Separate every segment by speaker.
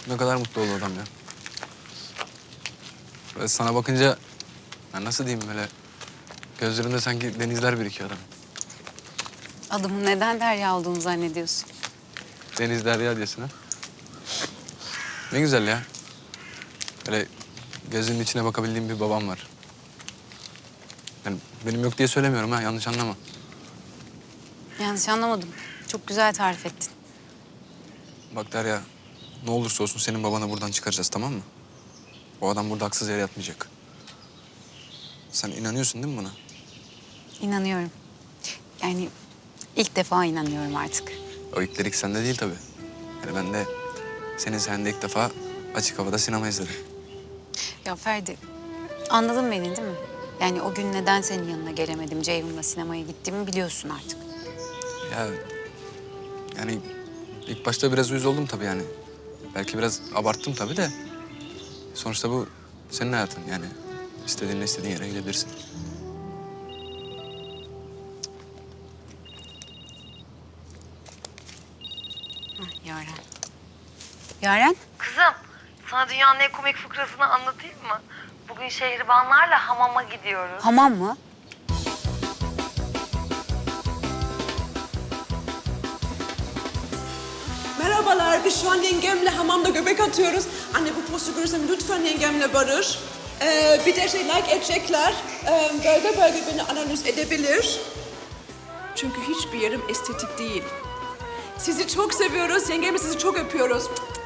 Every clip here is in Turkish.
Speaker 1: Ne kadar mutlu oldu adam ya. Böyle sana bakınca, ben nasıl diyeyim böyle, gözlerinde sanki denizler birikiyor adam.
Speaker 2: Adımın neden Derya olduğunu zannediyorsun?
Speaker 1: Deniz derya diyorsun ha. Ne güzel ya. Böyle gözünün içine bakabildiğim bir babam var. Yani benim yok diye söylemiyorum ha, yanlış anlama.
Speaker 2: Yanlış anlamadım. Çok güzel tarif ettin.
Speaker 1: Bak Derya, ne olursa olsun senin babanı buradan çıkaracağız, tamam mı? O adam burada haksız yere yatmayacak. Sen inanıyorsun değil mi buna?
Speaker 2: İnanıyorum. Yani ilk defa inanıyorum artık.
Speaker 1: O ilk sende değil tabii. Yani ben de senin sayende ilk defa açık havada sinema izledim.
Speaker 2: Ya Ferdi, anladın beni değil mi? Yani o gün neden senin yanına gelemedim, Ceyhun'la sinemaya gittiğimi biliyorsun artık.
Speaker 1: Ya yani ilk başta biraz uyuz oldum tabii yani. Belki biraz abarttım tabii de. Sonuçta bu senin hayatın yani. İstediğin yere gidebilirsin.
Speaker 2: Hah, Yaren. Yaren?
Speaker 3: Kızım, sana dünyanın en komik fıkrasını anlatayım mı? Bugün şehribanlarla hamama gidiyoruz.
Speaker 2: Hamam mı?
Speaker 4: Merhabalar, biz şu an yengemle hamamda göbek atıyoruz. Anne bu postu görürsem lütfen yengemle barış. Bir de like edecekler. Bölge bölge beni analiz edebilir. Çünkü hiçbir yerim estetik değil. Sizi çok seviyoruz, yengemle sizi çok öpüyoruz.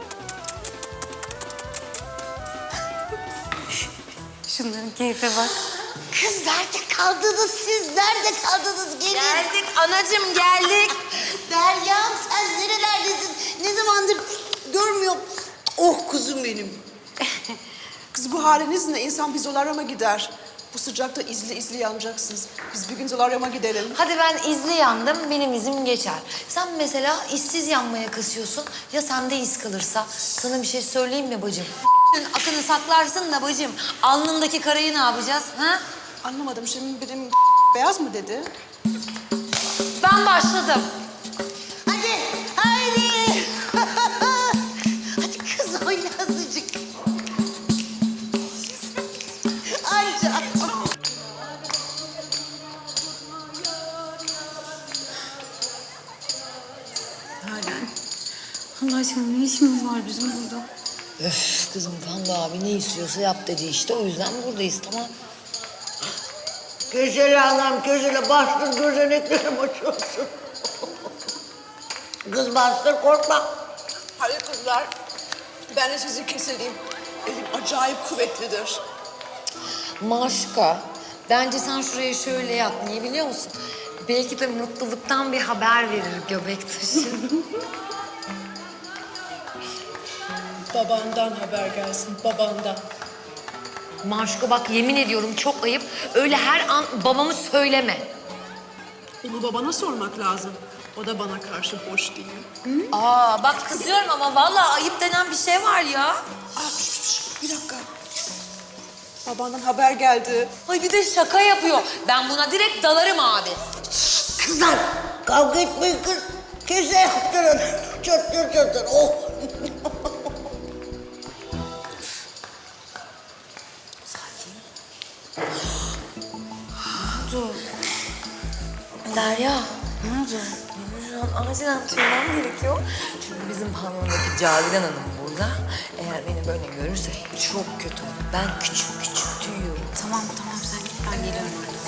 Speaker 2: Şunların keyfe bak.
Speaker 5: Kız nerede kaldınız siz? Nerede kaldınız? Gelin.
Speaker 3: Geldik anacığım, geldik.
Speaker 5: Derya'm sen nerelerdesin? Ne zamandır görmüyorum. Oh kuzum benim.
Speaker 4: Kız bu halinizle insan bir zolaryuma gider. Bu sıcakta izli yanacaksınız. Biz bir gün zolaryuma gidelim.
Speaker 3: Hadi ben izli yandım, benim izim geçer. Sen mesela işsiz yanmaya kasıyorsun. Ya sende iz kalırsa? Sana bir şey söyleyeyim mi bacım? Akını saklarsın da bacım, alnındaki karayı ne yapacağız? Ha?
Speaker 4: Anlamadım şimdi benim beyaz mı dedi?
Speaker 3: Ben başladım.
Speaker 5: Hadi, haydi. Hadi kız oyna azıcık. Anca.
Speaker 2: Yaren. Allah aşkına ne işimiz var bizim burada?
Speaker 3: Öf kızım Gamze abi ne istiyorsa yap dedi işte. O yüzden buradayız, tamam.
Speaker 5: Köşeli anam köşeli bastır gözeneklerim açıyorsun. Kız bastır korkma.
Speaker 4: Hadi kızlar, ben de sizi kesileyim. Elim acayip kuvvetlidir.
Speaker 3: Maşka, bence sen şuraya şöyle yap. Niye biliyor musun? Belki de mutluluktan bir haber verir göbek taşı.
Speaker 4: Babandan haber gelsin, babandan.
Speaker 3: Maşko bak yemin ediyorum çok ayıp. Öyle her an babamı söyleme.
Speaker 4: Onu babana sormak lazım. O da bana karşı boş değil.
Speaker 3: Aa bak kızıyorum ama vallahi ayıp denen bir şey var ya.
Speaker 4: Bir dakika. Babandan haber geldi.
Speaker 3: Ay bir de şaka yapıyor. Ben buna direkt dalarım abi.
Speaker 5: Kızlar kavga etmeyin kız. Köşe yaptırın. Çötür. Oh.
Speaker 3: Derya. Ne oldu? Şu an acilen tüymem gerekiyor. Çünkü bizim pavyondaki Cavidan Hanım burada. Eğer beni böyle görürse çok kötü olur. Ben küçük tüyüyorum.
Speaker 2: Tamam sen git ben geliyorum.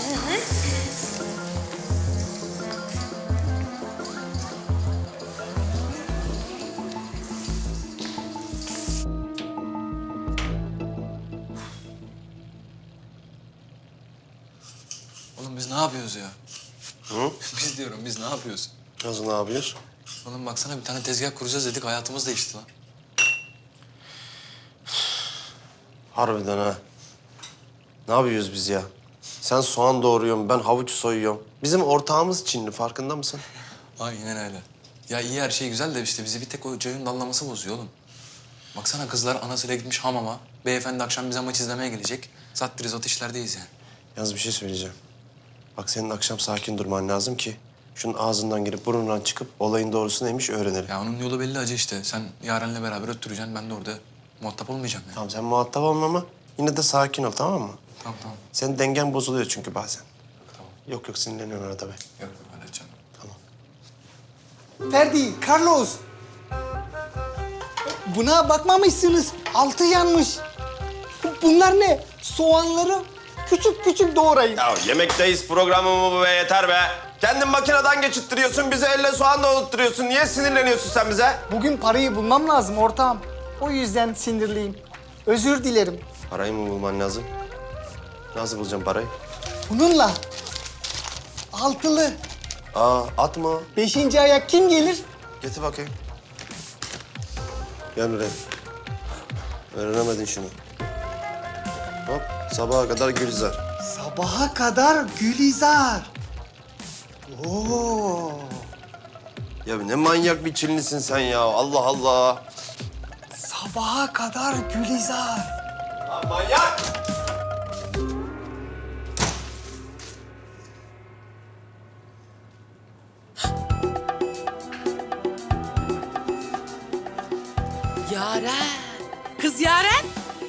Speaker 1: Oğlum biz ne yapıyoruz ya?
Speaker 6: Hı?
Speaker 1: Biz ne yapıyoruz?
Speaker 6: Nasıl ne yapıyoruz?
Speaker 1: Oğlum baksana bir tane tezgah kuracağız dedik, hayatımız değişti lan.
Speaker 6: Harbiden ha. Ne yapıyoruz biz ya? Sen soğan doğruyorsun, ben havuç soyuyorum. Bizim ortağımız Çinli, farkında mısın?
Speaker 1: Aynen öyle. Ya iyi her şey güzel de işte bizi bir tek o Ceyhun dallaması bozuyor oğlum. Baksana kızlar anasıyla gitmiş hamama. Beyefendi akşam bize maç izlemeye gelecek. Sattırız o işlerdeyiz yani.
Speaker 6: Yalnız bir şey söyleyeceğim. Bak senin akşam sakin durman lazım ki Şunun ağzından girip burnundan çıkıp olayın doğrusu neymiş öğrenelim.
Speaker 1: Ya onun yolu belli acı işte. Sen Yaren'le beraber öttüreceksin. Ben de orada muhatap olmayacağım ya.
Speaker 6: Tamam sen muhatap olma ama yine de sakin ol tamam mı?
Speaker 1: Tamam tamam.
Speaker 6: Senin dengen bozuluyor çünkü bazen. Yok yok sinirleniyorsun arada be.
Speaker 1: Yok halledeceğim.
Speaker 7: Ferdi, Carlos. Buna bakmamışsınız. Altı yanmış. Bunlar ne? Soğanları küçük küçük doğrayın.
Speaker 6: Ya yemekteyiz programı mı bu be yeter be. Kendin makineden geçittiriyorsun, bize elle soğan da unutturuyorsun. Niye sinirleniyorsun sen bize?
Speaker 7: Bugün parayı bulmam lazım ortağım. O yüzden sinirliyim. Özür dilerim.
Speaker 6: Parayı mı bulman lazım? Nasıl bulacağım parayı?
Speaker 7: Bununla altılı
Speaker 6: Atma.
Speaker 7: 5. aya kim gelir?
Speaker 6: Getir bakayım. Gel buraya. Öğrenemedin şunu. Hop, sabaha kadar Gülizar.
Speaker 7: Sabaha kadar Gülizar. Oo.
Speaker 6: Ya ne manyak bir Çinlisin sen ya. Allah Allah.
Speaker 7: Sabaha kadar Gülizar.
Speaker 6: Manyak!
Speaker 8: Yaren. Kız Yaren.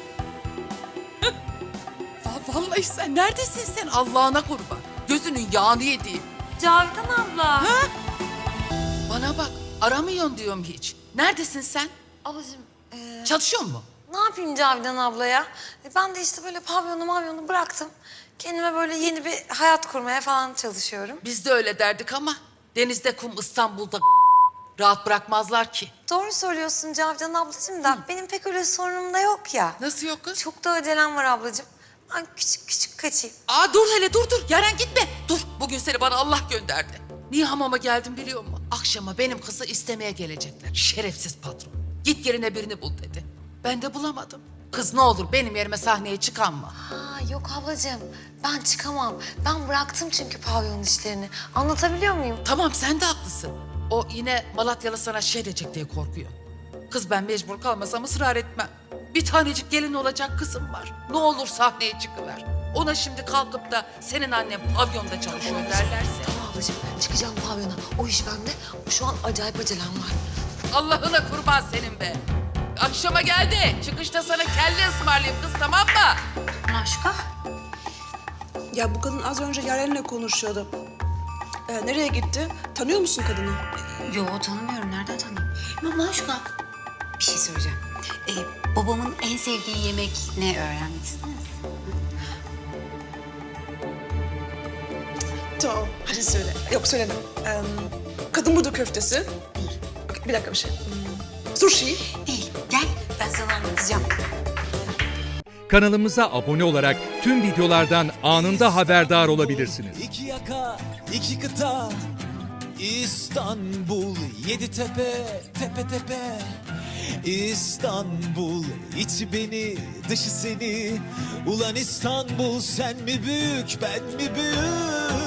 Speaker 8: Vallahi sen neredesin sen Allah'ına kurban. Gözünün yağını yediğim.
Speaker 3: Cavidan abla.
Speaker 8: Bana bak aramıyorsun diyorum hiç. Neredesin sen?
Speaker 3: Ablacığım
Speaker 8: Çalışıyor mu?
Speaker 3: ne yapayım Cavidan abla ya? Ben de işte böyle pavyonu bıraktım. Kendime böyle yeni bir hayat kurmaya falan çalışıyorum.
Speaker 8: Biz de öyle derdik ama denizde kum İstanbul'da rahat bırakmazlar ki.
Speaker 3: Doğru söylüyorsun Cavidan ablacığım da benim pek öyle sorunum da yok ya.
Speaker 8: Nasıl yok kız?
Speaker 3: Çok da acelem var ablacığım. Ben küçük küçük kaçayım.
Speaker 8: Aa dur hele dur. Yaren gitme. Dur bugün seni bana Allah gönderdi. Niye hamama geldim biliyor musun? Akşama benim kızı istemeye gelecekler. Şerefsiz patron. Git yerine birini bul dedi. Ben de bulamadım. Kız ne olur benim yerime sahneye çıkanma.
Speaker 3: Ha yok ablacığım ben çıkamam. Ben bıraktım çünkü pavyon işlerini. Anlatabiliyor muyum?
Speaker 8: Tamam sen de haklısın. O yine Malatyalı sana şey diyecek diye korkuyor. Kız ben mecbur kalmasam ısrar etmem. Bir tanecik gelin olacak kızım var. Ne olur sahneye çıkıver. Ona şimdi kalkıp da senin annen pavyonda çalışıyor derlerse.
Speaker 3: Tamam ablacığım çıkacağım pavyona. O iş bende. Şu an acayip acelem var.
Speaker 8: Allah'ına kurban senin be. Akşama geldi. Çıkışta sana kelle ısmarlayayım kız tamam mı?
Speaker 2: Maşka.
Speaker 4: Ya bu kadın az önce Yaren'le konuşuyordu. Nereye gitti? Tanıyor musun kadını?
Speaker 2: Yo tanımıyorum. Nereden tanıyayım? Maşka. Bir şey söyleyeceğim. Babamın en sevdiği yemek ne öğrenmek ister misin?
Speaker 4: Tamam, hadi söyle. Yok söyleme. Kadın budu köftesi. Bir dakika bir şey. Sushi.
Speaker 2: Değil. Gel ben sana anlatacağım.
Speaker 9: Kanalımıza abone olarak tüm videolardan anında haberdar olabilirsiniz.
Speaker 10: İki yaka, iki kıta, İstanbul, yedi tepe, tepe tepe. İstanbul, içi beni, dışı seni. Ulan İstanbul, sen mi büyük, ben mi büyük?